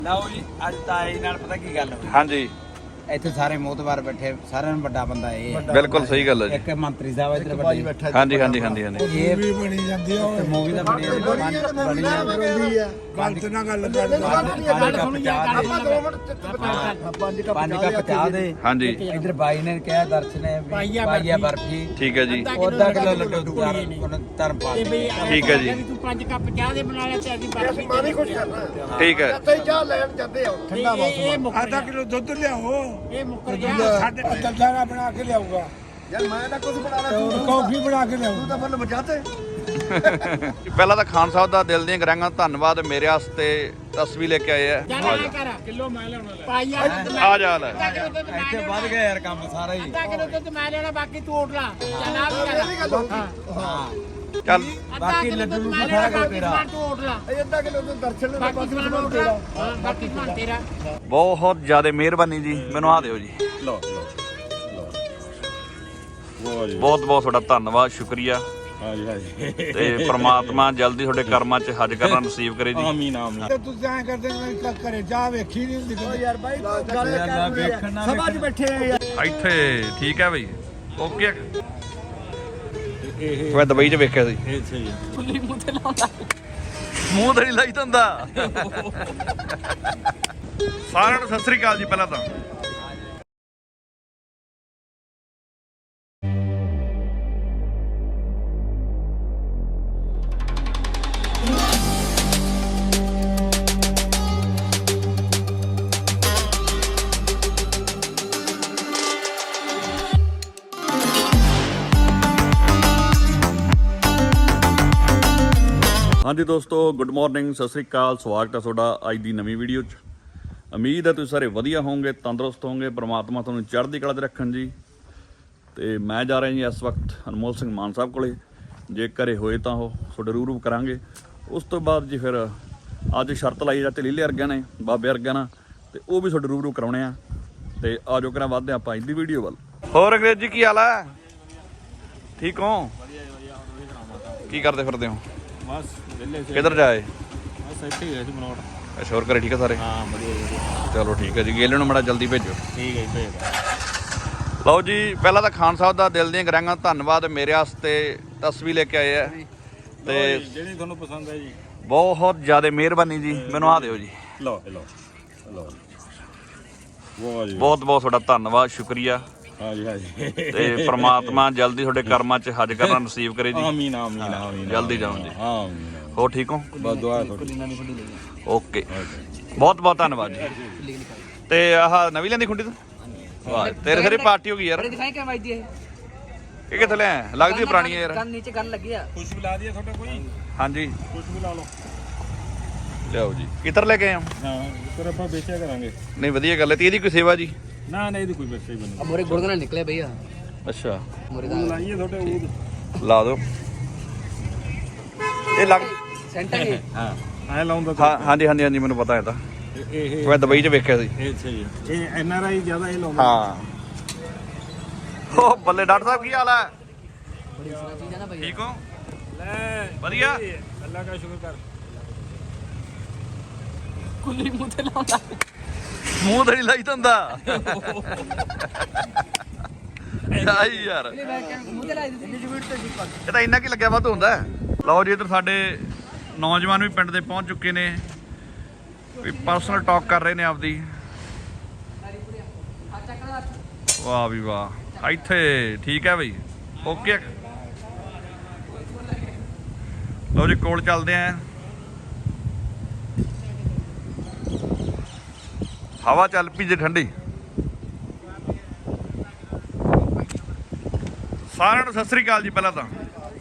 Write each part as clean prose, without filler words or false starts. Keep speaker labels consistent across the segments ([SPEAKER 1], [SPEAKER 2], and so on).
[SPEAKER 1] ਲਓ ਜੀ ਅੱਜ ਤਾਈ ਨਾਲ ਪਤਾ ਕੀ ਗੱਲ ਹੋਈ।
[SPEAKER 2] ਹਾਂਜੀ
[SPEAKER 1] ਇੱਥੇ ਸਾਰੇ ਮੋਤਬਾਰ ਬੈਠੇ, ਸਾਰਿਆਂ ਨੂੰ ਵੱਡਾ ਬੰਦਾ ਇਹ ਹੈ।
[SPEAKER 2] ਬਿਲਕੁਲ ਸਹੀ ਗੱਲ ਹੈ ਜੀ।
[SPEAKER 1] ਇੱਕ ਮੰਤਰੀ ਸਾਹਿਬ ਇੱਧਰ ਵੱਡੇ
[SPEAKER 2] ਹਾਂਜੀ ਹਾਂਜੀ ਹਾਂਜੀ ਹਾਂਜੀ
[SPEAKER 1] ਇਹ ਵੀ ਬਣੀ ਜਾਂਦੀ ਹੈ। ਮੂਵੀ ਦਾ ਬਣੀ ਜਾਂਦੀ ਹੈ।
[SPEAKER 3] ਗਲਤ ਨਾ ਗੱਲ ਕਰ।
[SPEAKER 1] ਪੰਜ ਕੱਪ ਚਾਹ ਦੇ।
[SPEAKER 2] ਹਾਂਜੀ
[SPEAKER 1] ਇੱਧਰ ਬਾਈ ਨੇ ਕਿਹਾ ਦਰਸ਼ਨ ਨੇ ਪਾਈਆ ਬਰਫੀ,
[SPEAKER 2] ਠੀਕ ਹੈ ਜੀ।
[SPEAKER 1] ਅੱਧਾ ਕਿਲੋ ਲੱਡੂ ਧਰਮ ਪਾ
[SPEAKER 2] ਠੀਕ ਹੈ ਜੀ।
[SPEAKER 4] ਤੂੰ 5 ਕੱਪ ਚਾਹ ਦੇ ਬਣਾ ਲਿਆ ਤੇ ਅਸੀਂ ਬਰਫੀ
[SPEAKER 3] ਮਾਨੀ ਖੁਸ਼ ਕਰਨਾ।
[SPEAKER 2] ਠੀਕ ਹੈ।
[SPEAKER 3] ਤੇ ਚਾਹ ਲੈਣ ਜਾਂਦੇ ਆ ਠੰਡਾ ਮੌਸਮ।
[SPEAKER 4] ਆਧਾ
[SPEAKER 3] ਕਿਲੋ ਦੁੱਧ ਲਿਆਓ।
[SPEAKER 4] ਇਹ ਮੁੱਕਰ ਗਿਆ।
[SPEAKER 3] ਸਾਡੇ ਦਲਦਾਰਾ ਬਣਾ ਕੇ ਲਿਆਊਗਾ। ਯਾਰ ਮੈਂ ਤਾਂ ਕੁਝ ਬਣਾਣਾ, ਤੂੰ ਕੌਫੀ ਬਣਾ ਕੇ ਲਿਆਊ। ਤੂੰ ਤਾਂ ਮੈਨੂੰ ਬਚਾਤੇ।
[SPEAKER 2] ਪਹਿਲਾਂ ਤਾਂ ਖਾਨ ਸਾਹਿਬ ਦਾ ਦਿਲ ਦੀਆਂ ਗਰਾਂਗਾਂ ਧੰਨਵਾਦ, ਮੇਰੇ ਵਾਸਤੇ ਤਸਵੀਰ ਲੈ ਕੇ ਆਏ ਆ।
[SPEAKER 4] ਕਿਲੋ ਮੈਂ ਲਿਆਉਣਾ ਪਾਈਆ
[SPEAKER 2] ਆ ਜਾ ਲੈ।
[SPEAKER 1] ਇੱਥੇ ਵੱਧ ਗਿਆ ਯਾਰ ਕੰਮ ਸਾਰਾ ਹੀ।
[SPEAKER 4] ਅੱਧਾ ਕਿਲੋ ਦੁੱਧ ਮੈਂ ਲੈਣਾ, ਬਾਕੀ ਤੂੰ ਉੱਠ ਲਾ। ਚੱਲ ਆ ਵੀ
[SPEAKER 1] ਹਾਂ
[SPEAKER 2] ਚੱਲ
[SPEAKER 1] ਬਾਕੀ ਲੱਡੂ ਨੂੰ ਸਾਰਾ ਕੁਝ ਤੇਰਾ।
[SPEAKER 4] ਤੂੰ ਉੱਠ ਲਾ।
[SPEAKER 3] ਇਹ ਅੱਧਾ ਕਿਲੋ ਤੋਂ ਦਰਸ਼ਨ ਦਾ
[SPEAKER 4] ਬਾਕੀ ਸਮਾਨ ਉੱਠ ਲਾ। ਬਾਕੀ ਸਮਾਨ ਤੇਰਾ।
[SPEAKER 2] ਬਹੁਤ ਜ਼ਿਆਦਾ ਮਿਹਰਬਾਨੀ ਜੀ, ਮੈਨੂੰ ਆ ਦਿਓ ਜੀ।
[SPEAKER 3] ਲਓ
[SPEAKER 2] ਬਹੁਤ ਬਹੁਤ ਤੁਹਾਡਾ ਧੰਨਵਾਦ, ਸ਼ੁਕਰੀਆ।
[SPEAKER 3] ਹਾਂਜੀ ਹਾਂਜੀ
[SPEAKER 2] ਤੇ ਪ੍ਰਮਾਤਮਾ ਜਲਦੀ ਤੁਹਾਡੇ ਕਰਮਾਂ 'ਚ ਹੱਜ ਕਰਨਾ ਨਸੀਬ ਕਰੇ ਜੀ।
[SPEAKER 3] ਆਮੀਨ ਆਮੀਨ। ਤੇ ਤੁਸੀਂ ਐਂ ਕਰਦੇ ਮੈਂ ਘਰੇ ਚਾਹ ਵੇਖੀ ਨਹੀਂ ਹੁੰਦੀ। ਓ ਯਾਰ ਬਾਈ ਗੱਲ ਕਰ, ਸਭਾ 'ਚ ਬੈਠੇ ਆ ਯਾਰ।
[SPEAKER 2] ਇੱਥੇ ਠੀਕ ਹੈ ਬਈ, ਓਕੇ। ਮੈਂ ਦੁਬਈ 'ਚ ਵੇਖਿਆ ਸੀ।
[SPEAKER 3] ਇਹ ਸਹੀ
[SPEAKER 4] ਫੁੱਲੀ ਮੂੰਹ ਤੇ ਲਾਉਂਦਾ।
[SPEAKER 2] ਮੂੰਹ ਤੇ ਨਹੀਂ ਲਾਈ ਦਿੰਦਾ। ਸਾਰਿਆਂ ਨੂੰ ਸਤਿ ਸ੍ਰੀ ਅਕਾਲ ਜੀ। ਪਹਿਲਾਂ ਤਾਂ ਹਾਂਜੀ ਦੋਸਤੋ, ਗੁੱਡ ਮਾਰਨਿੰਗ, ਸਤਿ ਸ੍ਰੀ ਅਕਾਲ। ਸਵਾਗਤ ਹੈ ਤੁਹਾਡਾ ਅੱਜ ਦੀ ਨਵੀਂ ਵੀਡੀਓ 'ਚ। ਉਮੀਦ ਹੈ ਤੁਸੀਂ ਸਾਰੇ ਵਧੀਆ ਹੋਵੋਗੇ, ਤੰਦਰੁਸਤ ਹੋਵੋਗੇ, ਪ੍ਰਮਾਤਮਾ ਤੁਹਾਨੂੰ ਚੜ੍ਹਦੀ ਕਲਾ 'ਚ ਰੱਖਣ ਜੀ। ਤੇ ਮੈਂ ਜਾ ਰਿਹਾ ਜੀ ਇਸ ਵਕਤ ਅਨਮੋਲ ਸਿੰਘ ਮਾਨ ਸਾਹਿਬ ਕੋਲੇ। ਜੇ ਘਰੇ ਹੋਏ ਤਾਂ ਉਹ ਤੁਹਾਡੇ ਰੂਬਰੂ ਕਰਾਂਗੇ। ਉਸ ਤੋਂ ਬਾਅਦ ਜੀ ਫਿਰ ਅੱਜ ਸ਼ਰਤ ਲਾਈ ਜਾਂ ਲੀਲੇ ਵਰਗਿਆਂ ਨੇ, ਬਾਬੇ ਵਰਗਿਆਂ ਨਾਲ, ਤੇ ਉਹ ਵੀ ਤੁਹਾਡੇ ਰੂਬਰੂ ਕਰਾਉਣੇ ਆ। ਤੇ ਆ ਜਾਓ ਕਰਾਂ ਵੱਧਦੇ ਆਪਾਂ ਅੱਜ ਦੀ ਵੀਡੀਓ ਵੱਲ। ਹੋਰ ਅੰਗਰੇਜ਼ੀ ਕੀ ਹਾਲ ਹੈ? ਠੀਕ ਹੋ? ਕੀ ਕਰਦੇ ਫਿਰਦੇ ਹੋ?
[SPEAKER 3] ਬਸ ਵਿਹਲੇ ਸੀ।
[SPEAKER 2] ਕਿੱਧਰ ਜਾਏ?
[SPEAKER 3] ਬਸ ਇੱਥੇ ਹੀ ਹੈ ਜੀ ਮਨੋਟ।
[SPEAKER 2] ਅੱਛਾ, ਹੋਰ ਘਰੇ ਠੀਕ ਹੈ ਸਾਰੇ?
[SPEAKER 3] ਹਾਂ ਵਧੀਆ।
[SPEAKER 2] ਚਲੋ ਠੀਕ ਹੈ ਜੀ। ਗੇਲੇ ਨੂੰ ਮਾੜਾ ਜਲਦੀ ਭੇਜੋ।
[SPEAKER 3] ਠੀਕ ਹੈ ਜੀ, ਭੇਜ।
[SPEAKER 2] ਲਓ ਜੀ, ਪਹਿਲਾਂ ਤਾਂ ਖਾਨ ਸਾਹਿਬ ਦਾ ਦਿਲ ਦੀਆਂ ਗਰਾਂਗਾਂ ਧੰਨਵਾਦ, ਮੇਰੇ ਵਾਸਤੇ ਤਸਵੀਰ ਲੈ ਕੇ ਆਏ ਆ। ਤੇ
[SPEAKER 3] ਜਿਹੜੀ ਤੁਹਾਨੂੰ ਪਸੰਦ ਹੈ ਜੀ।
[SPEAKER 2] ਬਹੁਤ ਜ਼ਿਆਦਾ ਮਿਹਰਬਾਨੀ ਜੀ, ਮੈਨੂੰ ਆ ਦਿਓ ਜੀ।
[SPEAKER 3] ਲਓ ਲਓ ਲਓ। ਵਾਹ ਜੀ।
[SPEAKER 2] ਬਹੁਤ ਬਹੁਤ ਤੁਹਾਡਾ ਧੰਨਵਾਦ, ਸ਼ੁਕਰੀਆ।
[SPEAKER 3] ਹਾਂਜੀ ਹਾਂਜੀ।
[SPEAKER 2] ਤੇ ਪ੍ਰਮਾਤਮਾ ਜਲਦੀ ਤੁਹਾਡੇ ਕਰਮਾਂ 'ਚ ਹੱਜ ਕਰਨਾ ਨਸੀਬ ਕਰੇ ਜੀ।
[SPEAKER 3] ਆਮੀਨ ਆਮੀਨ ਆਮੀਨ।
[SPEAKER 2] ਜਲਦੀ ਜਾਓ ਜੀ।
[SPEAKER 3] ਆਮੀਨ।
[SPEAKER 2] ਹੋਰ ਠੀਕ ਹੋ?
[SPEAKER 3] ਬਸ ਦੁਆ ਤੁਹਾਡੀ।
[SPEAKER 2] ਓਕੇ, ਬਹੁਤ ਬਹੁਤ ਧੰਨਵਾਦ ਜੀ। ਤੇ ਆਹ ਨਵੀਂ ਲੈਂਦੀ ਖੁੰਡੀ ਤੋਂ? ਵਾਹ, ਤੇਰੇ ਸਾਰੀ ਪਾਰਟੀ ਹੋ ਗਈ ਯਾਰ।
[SPEAKER 4] ਦਿਖਾਈ ਕਿਵੇਂ ਵੱਜਦੀ ਹੈ?
[SPEAKER 2] ਇਹ ਕਿੱਥੇ ਲੈ ਲੱਗਦੀ ਪੁਰਾਣੀ ਹੈ ਯਾਰ।
[SPEAKER 4] ਕੰਨ ਨੀਚੇ ਗੱਲ ਲੱਗੀ ਆ।
[SPEAKER 3] ਕੁਛ ਵੀ ਲਾ ਦਿਆ ਤੁਹਾਡਾ ਕੋਈ?
[SPEAKER 2] ਹਾਂਜੀ
[SPEAKER 3] ਕੁਛ ਵੀ ਲਾ ਲਓ।
[SPEAKER 2] ਲਿਆਓ ਜੀ। ਕਿੱਧਰ ਲੈ ਕੇ ਆਏ ਹੋ?
[SPEAKER 3] ਹਾਂ ਫਿਰ ਆਪਾਂ ਵੇਚਿਆ ਕਰਾਂਗੇ।
[SPEAKER 2] ਨਹੀਂ ਵਧੀਆ ਗੱਲ ਹੈ। ਤੇ ਇਹਦੀ ਕੋਈ ਸੇਵਾ ਜੀ?
[SPEAKER 3] ਨਾ ਨਾ ਇਹਦੀ ਕੋਈ ਵੇਚਿਆ ਹੀ ਬਣੀ।
[SPEAKER 4] ਮੋਰੇ ਗੁੜ ਨਾਲ ਨਿਕਲੇ ਭਈਆ।
[SPEAKER 2] ਅੱਛਾ,
[SPEAKER 4] ਮੋਰੇ
[SPEAKER 3] ਉਹ ਲਾਈਏ ਤੁਹਾਡੇ ਉਹ।
[SPEAKER 2] ਲਾ ਦਿਓ। ਇਹ ਲੱਗ
[SPEAKER 4] ਸੈਂਟਰ ਹੈ।
[SPEAKER 3] ਹਾਂ ਐ ਲਾਉਂਦਾ
[SPEAKER 2] ਹਾਂ ਹਾਂਜੀ ਹਾਂਜੀ ਹਾਂਜੀ, ਮੈਨੂੰ ਪਤਾ ਹੈ ਤਾਂ।
[SPEAKER 3] ਇਹ
[SPEAKER 2] ਮੈਂ ਦੁਬਈ 'ਚ ਵੇਖਿਆ ਸੀ।
[SPEAKER 3] ਇਹ ਸਹੀ ਹੈ। ਇਹ ਐਨ ਆਰ ਆਈ ਜ਼ਿਆਦਾ ਇਹ ਲਾਉਂਦਾ।
[SPEAKER 2] ਹਾਂ। ਉਹ ਬੱਲੇ ਡਾਕਟਰ ਸਾਹਿਬ, ਕੀ ਹਾਲ ਹੈ?
[SPEAKER 4] ਬੜੀ ਸੋਹਣੀ ਚੀਜ਼ ਹੈ ਨਾ ਭਈਆ।
[SPEAKER 2] ਠੀਕ ਹੋ?
[SPEAKER 3] ਲੈ
[SPEAKER 2] ਵਧੀਆ।
[SPEAKER 3] ਅੱਲਾ ਦਾ ਸ਼ੁਕਰ ਕਰ।
[SPEAKER 4] ਕੁੱਲੀ ਮੂੰਹ ਤੇ ਲਾਉਂਦਾ।
[SPEAKER 2] ਮੂੰਹ ਤੇ ਨਹੀਂ ਲਾਈ ਦਿੰਦਾ। ਆਈ ਯਾਰ,
[SPEAKER 4] ਮੂੰਹ ਤੇ ਲਾਈ ਦਿੱਤੀ।
[SPEAKER 2] ਇਹ ਤਾਂ ਇੰਨਾ ਕੀ ਲੱਗਿਆ ਵੱਧ ਹੁੰਦਾ। ਲਓ ਜੀ, ਇੱਧਰ ਸਾਡੇ ਨੌਜਵਾਨ ਵੀ ਪਿੰਡ ਦੇ ਪਹੁੰਚ ਚੁੱਕੇ ਨੇ, ਵੀ ਪਰਸਨਲ ਟਾਕ ਕਰ ਰਹੇ ਨੇ ਆਪਦੀ। ਵਾਹ ਵੀ ਵਾਹ, ਇੱਥੇ ਠੀਕ ਹੈ ਬਈ, ਓਕੇ। ਲਓ ਜੀ, ਕੋਲ ਚੱਲਦੇ ਆਂ। ਹਵਾ ਚੱਲ ਪਈ ਜੇ ਠੰਡੀ। ਸਾਰਿਆਂ ਨੂੰ ਸਤਿ ਸ੍ਰੀ ਅਕਾਲ ਜੀ। ਪਹਿਲਾਂ ਤਾਂ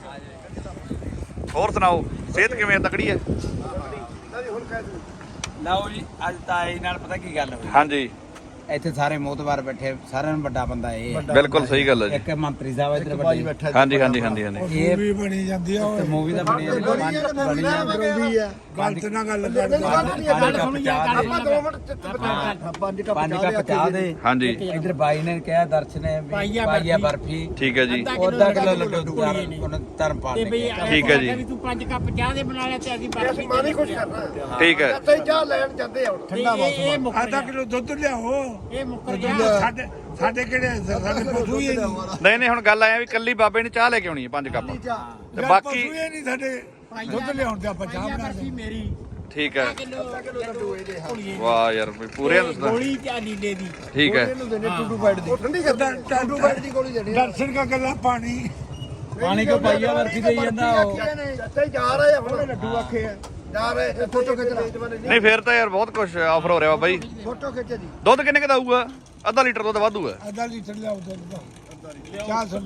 [SPEAKER 2] ਹੋਰ ਸੁਣਾਓ, ਸਿਹਤ ਕਿਵੇਂ ਤਕੜੀ ਹੈ?
[SPEAKER 1] ਲਓ ਜੀ ਅੱਜ ਤਾਈ ਨਾਲ ਪਤਾ ਕੀ ਗੱਲ ਹੋਈ।
[SPEAKER 2] ਹਾਂਜੀ
[SPEAKER 1] ਇੱਥੇ ਸਾਰੇ ਮੋਤਬਾਰ ਬੈਠੇ, ਸਾਰਿਆਂ ਨੂੰ ਵੱਡਾ ਬੰਦਾ ਇਹ ਹੈ।
[SPEAKER 2] ਬਿਲਕੁਲ ਸਹੀ ਗੱਲ ਹੈ ਜੀ।
[SPEAKER 1] ਇੱਕ ਮੰਤਰੀ ਸਾਹਿਬ ਇੱਧਰ ਵੱਡੇ
[SPEAKER 2] ਹਾਂਜੀ ਹਾਂਜੀ ਹਾਂਜੀ ਹਾਂਜੀ
[SPEAKER 1] ਇਹ
[SPEAKER 3] ਵੀ ਬਣੀ ਜਾਂਦੀ ਆ
[SPEAKER 1] ਤੇ ਮੂਵੀ ਦਾ ਬਣੀ ਜਾਂਦੀ ਬਣੀ ਜਾਂਦੀ
[SPEAKER 3] ਗਲਤ ਨਾ ਗੱਲ ਕਰ
[SPEAKER 1] ਪੰਜ ਕੱਪ ਚਾਹ ਦੇ।
[SPEAKER 2] ਹਾਂਜੀ
[SPEAKER 1] ਇੱਧਰ ਬਾਈ ਨੇ ਕਿਹਾ ਦਰਸ਼ਨ ਨੇ ਵੀ ਪਾਈਆ ਬਰਫੀ
[SPEAKER 2] ਠੀਕ ਹੈ ਜੀ
[SPEAKER 1] ਅੱਧਾ ਕਿਲੋ ਲੱਡੂ ਧਰਮਪਾਲ ਨੇ ਕਿਹਾ।
[SPEAKER 2] ਠੀਕ ਹੈ ਜੀ
[SPEAKER 5] ਤੂੰ 5 ਕੱਪ ਚਾਹ ਦੇ ਬਣਾ ਲਿਆ ਤੇ ਅਸੀਂ ਬਰਫੀ ਮਾਨੀ ਕੁਛ ਕਰਨਾ
[SPEAKER 2] ਠੀਕ ਹੈ
[SPEAKER 5] ਤੇ ਚਾਹ ਲੈਣ ਜਾਂਦੇ ਆ ਠੰਡਾ ਮੌਸਮ
[SPEAKER 3] ਆਧਾ ਕਿਲੋ ਦੁੱਧ ਲਿਆਓ।
[SPEAKER 5] ਇਹ ਮੁੱਕਰ ਗਿਆ
[SPEAKER 3] ਸਾਡੇ ਕਿਹੜੇ ਸਾਡੇ ਪਸ਼ੂ ਹੀ ਨਹੀਂ।
[SPEAKER 2] ਨਹੀਂ ਹੁਣ ਗੱਲ ਆਇਆ ਵੀ ਕੱਲੀ ਬਾਬੇ ਨੇ ਚਾਹ ਲੈ ਕੇ ਆਉਣੀ ਹੈ 5 ਕੱਪ ਤੇ ਬਾਕੀ
[SPEAKER 3] ਪਸ਼ੂ ਹੀ ਨਹੀਂ ਸਾਡੇ ਦੁੱਧ ਲਿਆਉਣ ਤੇ ਆਪਾਂ ਚਾਹ ਬਣਾ ਦੇ।
[SPEAKER 5] ਮੇਰੀ
[SPEAKER 2] ਠੀਕ ਹੈ ਵਾਹ ਯਾਰ ਵੀ ਪੂਰੇ ਦੱਸਦਾ
[SPEAKER 5] ਗੋਲੀ ਤੇ ਨੀਲੇ ਦੀ
[SPEAKER 2] ਠੀਕ ਹੈ
[SPEAKER 5] ਠੰਡੀ ਕਰਦਾ ਟਾਂਡੂ ਬੈਠ ਦੀ ਗੋਲੀ ਦੇਣੀ
[SPEAKER 3] ਦਰਸ਼ਨ ਕਾ ਗੱਲਾਂ ਪਾਣੀ
[SPEAKER 1] ਪਾਣੀ ਕੋ ਪਾਈਆ ਬਰਫੀ ਦੇਈ ਜਾਂਦਾ ਉਹ।
[SPEAKER 5] ਤੇ ਜਾ ਰਹੇ ਆ ਹੁਣ ਲੱਡੂ ਆਖੇ ਆ ਜਾ ਰਹੇ ਫੋਟੋ ਖਿੱਚ ਲੈ
[SPEAKER 2] ਨਹੀਂ ਫੇਰ ਤਾਂ ਯਾਰ ਬਹੁਤ ਕੁਝ ਆਫਰ ਹੋ ਰਿਹਾ ਬਾਬਾ ਜੀ।
[SPEAKER 5] ਫੋਟੋ ਖਿੱਚ ਜੀ
[SPEAKER 2] ਦੁੱਧ ਕਿੰਨੇ ਦਾ ਆਊਗਾ? ਅੱਧਾ ਲੀਟਰ ਦੁੱਧ ਵਾਧੂ ਹੈ।
[SPEAKER 3] ਆਧਾ ਲੀਟਰ ਲਿਆਓ ਦੁੱਧ ਦਾ ਚਾਹ ਸੁਣ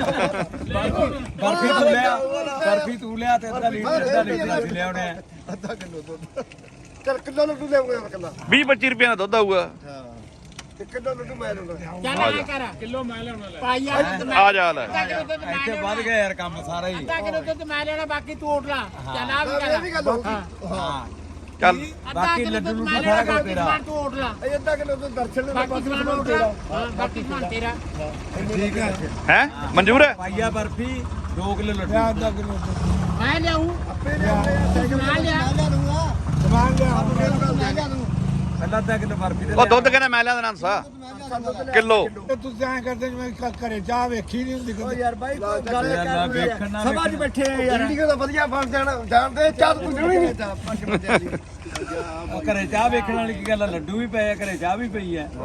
[SPEAKER 1] ਬਰਫੀ ਤੂੰ ਲਿਆ, ਬਰਫੀ ਤੂੰ ਲਿਆ ਤੇ ਅੱਧਾ ਲੀਟਰ ਅਸੀਂ ਲਿਆਉਣੇ ਆ।
[SPEAKER 5] ਅੱਧਾ ਕਿਲੋ ਦੁੱਧ ਚੱਲ ਕਿਲੋ ਲੱਡੂ ਲਿਆਉਂਗਾ ਕੱਲਾ
[SPEAKER 2] 20-25 ਰੁਪਏ ਦਾ ਦੁੱਧ ਆਊਗਾ।
[SPEAKER 5] ਤੇ ਕਿਲੋ ਲੱਡੂ ਮੈਂ ਲੈਣਾ
[SPEAKER 4] ਚੱਲ ਆ ਕਰ ਕਿਲੋ ਮੈਂ ਲੈਣਾ ਲੈ
[SPEAKER 5] ਪਾਈਆ
[SPEAKER 2] ਆ ਜਾ ਲੈ
[SPEAKER 1] ਇੱਥੇ ਵੱਧ ਗਿਆ ਯਾਰ ਕੰਮ ਸਾਰਾ ਹੀ।
[SPEAKER 4] ਅੱਧਾ ਕਿਲੋ ਦੁੱਧ ਮੈਂ ਲੈਣਾ ਬਾਕੀ ਤੂੰ ਉੱਠ ਲਾ ਚੱਲ ਆ ਵੀ
[SPEAKER 5] ਇਹ ਵੀ
[SPEAKER 4] ਕਰ
[SPEAKER 5] ਗੱਲ ਹੋਊਗੀ
[SPEAKER 1] ਹਾਂ
[SPEAKER 2] ਚੱਲ
[SPEAKER 1] ਬਾਕੀ ਲੱਡੂ ਨੂੰ ਸਾਰਾ ਕੁਝ ਤੇਰਾ।
[SPEAKER 4] ਤੂੰ ਉੱਠ ਲਾ
[SPEAKER 5] ਇਹ ਅੱਧਾ ਕਿਲੋ ਦੁੱਧ ਦਰਸ਼ਨ ਦੇ
[SPEAKER 4] ਬਾਕੀ ਸਮਾਨ ਉੱਠ ਲਾ ਹਾਂ ਬਾਕੀ ਸਮਾਨ ਤੇਰਾ
[SPEAKER 3] ਠੀਕ ਹੈ
[SPEAKER 2] ਹੈ ਮਨਜ਼ੂਰ ਹੈ।
[SPEAKER 1] ਪਾਈਆ ਬਰਫੀ 2 ਕਿਲੋ ਲੱਡੂ।
[SPEAKER 3] ਲਿਆ ਆਧਾ ਕਿਲੋ ਦੁੱਧ
[SPEAKER 4] ਮੈਂ ਲਿਆਉਂ
[SPEAKER 5] ਆਪੇ ਲਿਆਉਂਦੇ
[SPEAKER 4] ਮੈਂ ਲਿਆ
[SPEAKER 3] ਸਮਾਨ ਲਿਆ
[SPEAKER 1] ਪਹਿਲਾਂ ਅੱਧਾ ਕਿਲੋ ਬਰਫੀ ਦੇ
[SPEAKER 2] ਉਹ ਦੁੱਧ ਕਹਿੰਦਾ ਮੈਂ ਲਿਆ ਦੇਣਾ ਸਾ ਕਿਲੋ।
[SPEAKER 3] ਤੇ ਤੁਸੀਂ ਐਂ ਕਰਦੇ ਜਿਵੇਂ ਘਰੇ ਚਾਹ ਵੇਖੀ ਨਹੀਂ ਹੁੰਦੀ ਕਦੇ।
[SPEAKER 5] ਯਾਰ ਬਾਈ ਗੱਲ
[SPEAKER 1] ਯਾਰ ਵੇਖਣ ਨਾ
[SPEAKER 5] ਸਭਾ 'ਚ ਬੈਠੇ ਆ ਯਾਰ ਵੀਡੀਓ ਦਾ ਵਧੀਆ ਬਣ ਜਾਣਦੇ ਚਾਹ ਤੂੰ ਜੁਣੀ ਨਹੀਂ ਪੰਜ ਬੰਦਿਆਂ ਦੀ
[SPEAKER 1] ਉਹ ਘਰੇ ਚਾਹ ਵੇਖਣ ਵਾਲੀ ਕੀ ਗੱਲ ਆ, ਲੱਡੂ ਵੀ ਪਏ ਆ ਘਰੇ, ਚਾਹ ਵੀ ਪਈ ਆ।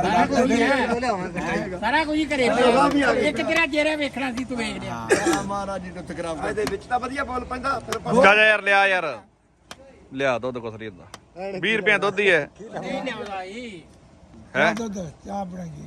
[SPEAKER 4] ਸਾਰਾ ਕੁਝ ਹੀ ਘਰੇ ਪਿਆ ਇੱਕ ਤੇਰਾ ਜੇਰਾ ਵੇਖਣਾ ਸੀ ਤੂੰ ਵੇਖ ਲਿਆ
[SPEAKER 5] ਮਹਾਰਾਜ ਜੀ ਨੂੰ ਤਕਰਾਮ ਇਹਦੇ ਵਿੱਚ ਤਾਂ ਵਧੀਆ ਬੋਲ ਪੈਂਦਾ ਫਿਰ
[SPEAKER 2] ਜਾ ਜਾ ਯਾਰ ਲਿਆ ਯਾਰ ਲਿਆ ਦੁੱਧ ਕੁਛ ਨਹੀਂ ਦਾ 20 ਰੁਪਏ ਦੁੱਧ ਹੀ ਹੈ
[SPEAKER 4] ਨਹੀਂ ਲਿਆਉਂਦਾ ਈ
[SPEAKER 2] ਹੈ।
[SPEAKER 3] ਦੁੱਧ ਚਾਹ ਬਣਾਈਏ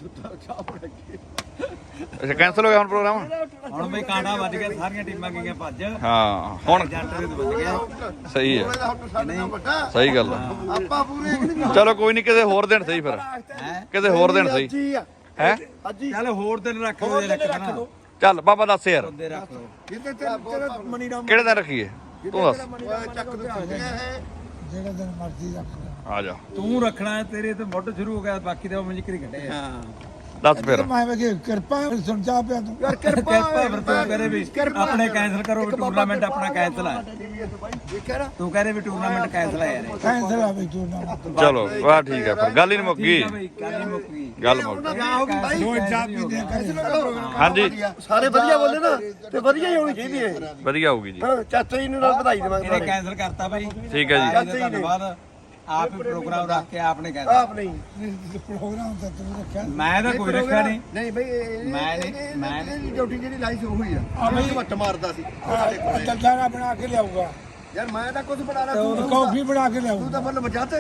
[SPEAKER 2] ਅੱਛਾ ਕੈਨਸਲ ਹੋ ਗਿਆ ਹੁਣ ਪ੍ਰੋਗਰਾਮ।
[SPEAKER 1] ਹੁਣ ਬਈ ਕਾਂਡਾ ਵੱਜ ਗਿਆ, ਸਾਰੀਆਂ ਟੀਮਾਂ ਗਈਆਂ ਭੱਜ।
[SPEAKER 2] ਹਾਂ ਹੁਣ
[SPEAKER 1] ਜੱਟ ਦੇ ਵੱਜ ਗਿਆ।
[SPEAKER 2] ਸਹੀ ਹੈ
[SPEAKER 5] ਇਹਦਾ ਹੁਣ ਸਾਡੇ ਨਾਲ ਵੱਡਾ
[SPEAKER 2] ਸਹੀ ਗੱਲ ਹੈ।
[SPEAKER 5] ਆਪਾਂ ਪੂਰੇ ਨਹੀਂ
[SPEAKER 2] ਚਲੋ ਕੋਈ ਨਹੀਂ ਕਿਸੇ ਹੋਰ ਦਿਨ ਸਹੀ ਫਿਰ ਕਿਸੇ ਹੋਰ ਦਿਨ ਸਹੀ
[SPEAKER 5] ਜੀ ਆ
[SPEAKER 2] ਹੈ।
[SPEAKER 5] ਅੱਜੀ
[SPEAKER 1] ਚੱਲ ਹੋਰ ਦਿਨ ਰੱਖ ਲਓ ਜੇ ਰੱਖਣਾ।
[SPEAKER 2] ਚੱਲ ਬਾਬਾ ਦੱਸ ਯਾਰ
[SPEAKER 1] ਉਹਦੇ ਰੱਖ ਲਓ।
[SPEAKER 5] ਕਿਤੇ ਤੇਰਾ ਮਨੀ ਰਾਮ
[SPEAKER 2] ਕਿਹੜੇ ਦਿਨ ਰੱਖੀਏ ਤੂੰ ਦੱਸ।
[SPEAKER 5] ਚੱਕ ਦੇ ਹੈ
[SPEAKER 3] ਜਿਹੜਾ ਦਿਨ ਮਰਜ਼ੀ ਰੱਖ ਲੈ।
[SPEAKER 2] ਆ ਜਾ
[SPEAKER 1] ਤੂੰ ਰੱਖਣਾ ਹੈ, ਤੇਰੇ ਤੇ ਮੁੱਢ ਸ਼ੁਰੂ ਹੋ ਗਿਆ, ਬਾਕੀ ਤਾਂ ਉਹ ਜ਼ਿਕਰ ਕੱਢੇ ਆ।
[SPEAKER 2] ਦੱਸ ਫਿਰ।
[SPEAKER 3] ਮੈਂ ਵੇ ਕਿਰਪਾ ਸੁਣ ਚਾਹ ਪਿਆ ਤੂੰ
[SPEAKER 5] ਯਾਰ
[SPEAKER 1] ਕਿਰਪਾ ਫਿਰ ਤੂੰ ਕਰੇ ਵੀ ਆਪਣੇ ਕੈਂਸਲ ਕਰੋ ਵੀ ਟੂਰਨਾਮੈਂਟ ਆਪਣਾ ਕੈਂਸਲ ਆ।
[SPEAKER 5] ਦੇਖਿਆ ਨਾ
[SPEAKER 1] ਤੂੰ ਕਹਦੇ ਵੀ ਟੂਰਨਾਮੈਂਟ ਕੈਂਸਲ ਆ ਯਾਰ।
[SPEAKER 3] ਕੈਂਸਲ ਆ ਬਈ ਤੂੰ ਨਾ
[SPEAKER 2] ਚਲੋ ਵਾਹ ਠੀਕ ਹੈ ਫਿਰ ਗੱਲ ਹੀ ਨਹੀਂ ਮੁੱਕ ਗਈ।
[SPEAKER 1] ਠੀਕ ਆ ਬਈ, ਗੱਲ ਹੀ ਮੁੱਕ ਗਈ।
[SPEAKER 2] ਗੱਲ ਮੁੱਕ ਗਈ।
[SPEAKER 3] ਦੋ ਚਾਹ ਪੀਂਦੇ ਕਰੇ
[SPEAKER 2] ਹਾਂਜੀ
[SPEAKER 5] ਸਾਰੇ ਵਧੀਆ ਬੋਲੇ ਨਾ ਤੇ ਵਧੀਆ ਹੀ ਹੋਣੀ ਚਾਹੀਦੀ ਹੈ
[SPEAKER 2] ਵਧੀਆ ਹੋਊਗੀ ਜੀ।
[SPEAKER 5] ਹਾਂ ਚਾਚਾ ਜੀ ਨੂੰ ਨਾਲ ਵਧਾਈ ਦੇਵਾਂਗੇ
[SPEAKER 1] ਇਹਨੇ ਕੈਂਸਲ ਕਰਤਾ ਬਾਈ।
[SPEAKER 2] ਠੀਕ ਹੈ ਜੀ।
[SPEAKER 1] ਧੰਨਵਾਦ। ਆਪ ਹੀ ਪ੍ਰੋਗਰਾਮ ਰੱਖ ਕੇ ਆਪਨੇ ਕੈਂਸਲ।
[SPEAKER 5] ਆਪ ਨਹੀਂ
[SPEAKER 3] ਪ੍ਰੋਗਰਾਮ ਤਾਂ ਤੂੰ ਰੱਖਿਆ
[SPEAKER 1] ਮੈਂ ਤਾਂ ਕੋਈ ਰੱਖਿਆ ਨਹੀਂ।
[SPEAKER 5] ਨਹੀਂ ਬਈ ਮੈਂ ਡਿਊਟੀ ਜਿਹੜੀ ਲਾਈ ਸੀ ਉਹੀ ਆ ਮੈਂ ਵੱਟ ਮਾਰਦਾ ਸੀ
[SPEAKER 3] ਦਲਦਾਰਾ ਬਣਾ ਕੇ ਲਿਆਊਗਾ
[SPEAKER 5] ਯਾਰ ਮੈਂ ਤਾਂ ਕੁਝ ਬਣਾ ਰਹਾ
[SPEAKER 3] ਤੂੰ ਕੌਫੀ ਬਣਾ ਕੇ
[SPEAKER 5] ਤੂੰ
[SPEAKER 3] ਲਿਆਊਗਾ
[SPEAKER 5] ਤਾਂ ਮਤਲਬ ਬਚਾਤੇ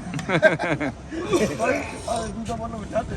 [SPEAKER 5] ਤੂੰ ਤਾਂ ਮਤਲਬ ਬਚਾਤੇ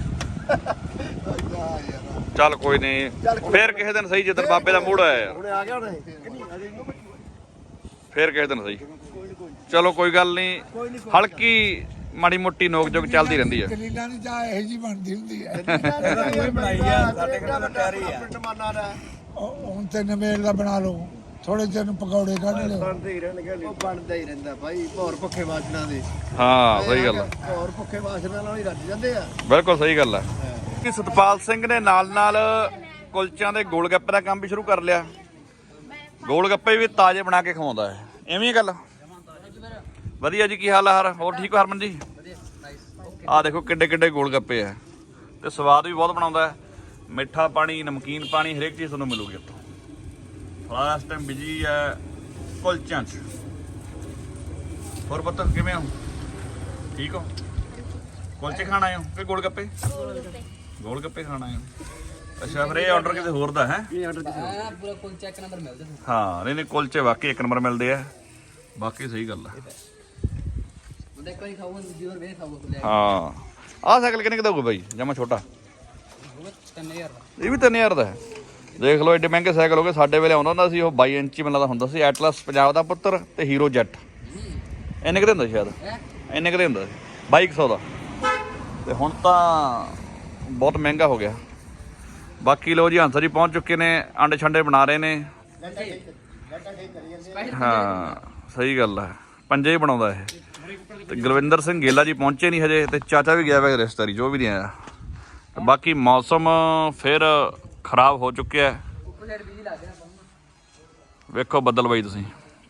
[SPEAKER 2] ਚੱਲ ਕੋਈ ਨਹੀਂ ਫੇਰ ਕਿਸੇ ਦਿਨ ਸਹੀ ਜਿੱਦਣ ਬਾਬੇ ਦਾ ਮੂਡ ਆਇਆ ਯਾਰ
[SPEAKER 5] ਹੁਣੇ ਆ ਗਿਆ ਹੁਣੇ
[SPEAKER 2] ਫੇਰ ਕਿਸੇ ਦਿਨ ਸਹੀ। ਚਲੋ ਕੋਈ ਗੱਲ ਨਹੀਂ ਹਲਕੀ ਮਾੜੀ ਮੋਟੀ ਨੋਕ ਜੋਕ ਚੱਲਦੀ ਰਹਿੰਦੀ ਹੈ।
[SPEAKER 3] ਕਲੀਲਾਂ ਦੀ ਚਾਹ ਇਹੋ ਜੀ ਬਣਦੀ ਹੁੰਦੀ ਹੈ
[SPEAKER 1] ਇਹਦਾ ਕੋਈ ਬਣਾਈ ਆ, ਸਾਡੇ ਕੋਲ ਤਾਂ ਤਿਆਰੀ ਆ।
[SPEAKER 5] ਟਮਾਨਾ ਦਾ
[SPEAKER 3] ਹੁਣ ਤੇ ਨਵੇਲ ਦਾ ਬਣਾ ਲਓ ਥੋੜੇ ਚਿਰ ਨੂੰ ਪਕੌੜੇ ਕੱਢ ਲਿਓ
[SPEAKER 5] ਬਣਦੇ ਹੀ ਰਹਿਣਗੇ ਉਹ ਬਣਦਾ ਹੀ ਰਹਿੰਦਾ ਭਾਈ ਭੌਰ ਭੁੱਖੇ ਵਾਸਨਾ ਦੇ
[SPEAKER 2] ਹਾਂ ਸਹੀ ਗੱਲ ਹੈ।
[SPEAKER 5] ਭੌਰ ਭੁੱਖੇ ਵਾਸਨਾ ਨਾਲ ਹੀ ਰੱਜ ਜਾਂਦੇ ਆ
[SPEAKER 2] ਬਿਲਕੁਲ ਸਹੀ ਗੱਲ ਹੈ। ਸਤਪਾਲ ਸਿੰਘ ਨੇ ਨਾਲ ਨਾਲ ਕੁਲਚਿਆਂ ਦੇ ਗੋਲ ਗੱਪੇ ਦਾ ਕੰਮ ਵੀ ਸ਼ੁਰੂ ਕਰ ਲਿਆ। ਗੋਲ ਗੱਪੇ ਵੀ ਤਾਜ਼ੇ ਬਣਾ ਕੇ ਖਵਾਉਂਦਾ ਹੈ। ਐਵੇਂ ਹੀ ਗੱਲ ਵਧੀਆ ਜੀ। ਕੀ ਹਾਲ ਹੈ ਹੋਰ ਠੀਕ ਹੋ ਹਰਮਨ ਜੀ? ਆਹ ਦੇਖੋ ਕਿੱਡੇ ਕਿੱਡੇ ਗੋਲ ਗੱਪੇ ਆ ਤੇ ਸਵਾਦ ਵੀ ਬਹੁਤ ਬਣਾਉਂਦਾ ਹੈ। ਮਿੱਠਾ ਪਾਣੀ ਨਮਕੀਨ ਪਾਣੀ ਹਰੇਕ ਚੀਜ਼ ਤੁਹਾਨੂੰ ਮਿਲੂਗੀ ਇੱਥੋਂ। ਫਲਾਸ ਟਾਈਮ ਬਿਜੀ ਹੈ ਕੁਲਚਿਆਂ 'ਚ। ਹੋਰ ਪਤਾ ਕਿਵੇਂ ਹੋ? ਠੀਕ ਹੋ? ਕੁਲਚੇ ਖਾਣ ਆਏ ਹੋ ਕਿ ਗੋਲ ਗੱਪੇ? ਗੋਲ ਗੱਪੇ ਖਾਣ ਆਏ ਹੋ। ਅੱਛਾ ਫਿਰ ਇਹ ਆਰਡਰ ਕਿਸੇ ਹੋਰ ਦਾ ਹੈ?
[SPEAKER 4] ਪੂਰਾ ਕੁਲਚਾ ਇੱਕ ਨੰਬਰ ਮਿਲਦਾ
[SPEAKER 2] ਹਾਂ ਨਹੀਂ ਨਹੀਂ ਕੁਲਚੇ ਵਾਕਈ ਇੱਕ ਨੰਬਰ ਮਿਲਦੇ ਆ। ਬਾਕੀ ਸਹੀ ਗੱਲ ਆ।
[SPEAKER 4] ਉਹਦੇ ਕੋਈ ਖਾਊਗਾ ਦੂਜੀ ਵਾਰ ਵੇਖ ਖਾਊਗਾ ਲੈ
[SPEAKER 2] ਹਾਂ ਆਹ ਸਾਈਕਲ ਕਿੰਨੇ ਦਾ ਹੋਊਗਾ ਬਾਈ? ਜਮਾ ਛੋਟਾ
[SPEAKER 4] 3000
[SPEAKER 2] ਇਹ ਵੀ 3000 ਦਾ ਹੈ। ਦੇਖ ਲਓ ਐਡੇ ਮਹਿੰਗੇ ਸਾਈਕਲ ਹੋ ਗਏ। ਸਾਡੇ ਵੇਲੇ ਆਉਂਦਾ ਹੁੰਦਾ ਸੀ ਉਹ 22 ਇੰਚੀ ਮਿਲਦਾ ਹੁੰਦਾ ਸੀ ਐਟਲਸ ਪੰਜਾਬ ਦਾ ਪੁੱਤਰ ਤੇ ਹੀਰੋ ਜੈਟ। ਇੰਨੇ ਕਿਤੇ ਹੁੰਦਾ ਸ਼ਾਇਦ ਇੰਨੇ ਕਿਤੇ ਹੁੰਦਾ ਸੀ 2200 ਦਾ ਤੇ ਹੁਣ ਤਾਂ ਬਹੁਤ ਮਹਿੰਗਾ ਹੋ ਗਿਆ। ਬਾਕੀ ਲੋ ਜੀ ਹੰਸਰ ਜੀ ਪਹੁੰਚ ਚੁੱਕੇ ਨੇ, ਆਂਡੇ ਛੰਡੇ ਬਣਾ ਰਹੇ ਨੇ। ਹਾਂ ਸਹੀ ਗੱਲ ਹੈ, ਪੰਜੇ ਹੀ ਬਣਾਉਂਦਾ ਇਹ। ਤੇ ਗੁਰਵਿੰਦਰ ਸਿੰਘ ਗੇਲਾ ਜੀ ਪਹੁੰਚੇ ਨਹੀਂ ਹਜੇ, ਤੇ ਚਾਚਾ ਵੀ ਗਿਆ ਵਾ ਰਿਸ਼ਤੇਦਾਰੀ, ਜੋ ਵੀ ਨਹੀਂ ਆਇਆ। ਬਾਕੀ ਮੌਸਮ ਫਿਰ ਖਰਾਬ ਹੋ ਚੁੱਕਿਆ ਹੈ, ਵੇਖੋ ਬੱਦਲ ਬਾਈ ਤੁਸੀਂ।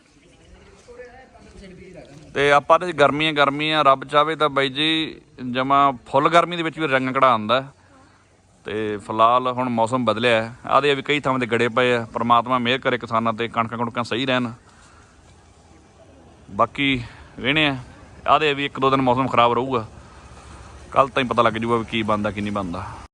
[SPEAKER 2] ਤੇ ਆਪਾਂ ਤੇ ਗਰਮੀਆਂ ਰੱਬ ਚਾਹਵੇ ਤਾਂ ਬਾਈ ਜੀ ਜਮਾ ਫੁੱਲ ਗਰਮੀ ਦੇ ਵਿੱਚ ਵੀ ਰੰਗ ਕਢਾ ਆਉਂਦਾ। ਤੇ ਫਿਲਹਾਲ ਹੁਣ ਮੌਸਮ ਬਦਲਿਆ ਹੈ, ਆਦੇ ਵੀ ਕਈ ਥਾਵਾਂ ਤੇ ਗੜੇ ਪਏ ਆ। ਪਰਮਾਤਮਾ ਮਿਹਰ ਕਰੇ ਕਿਸਾਨਾਂ ਤੇ, ਕਣਕਾਂ ਕੁਣਕਾਂ ਸਹੀ ਰਹਿਣ। ਬਾਕੀ ਵੇਹਣੇ ਆ, ਆਦੇ ਵੀ 1-2 ਦਿਨ ਮੌਸਮ ਖਰਾਬ ਰਹੂਗਾ, ਕੱਲ ਤਾਂ ਹੀ ਪਤਾ ਲੱਗ ਜੂਗਾ ਵੀ ਕੀ ਬਣਦਾ ਕੀ ਨਹੀਂ ਬਣਦਾ।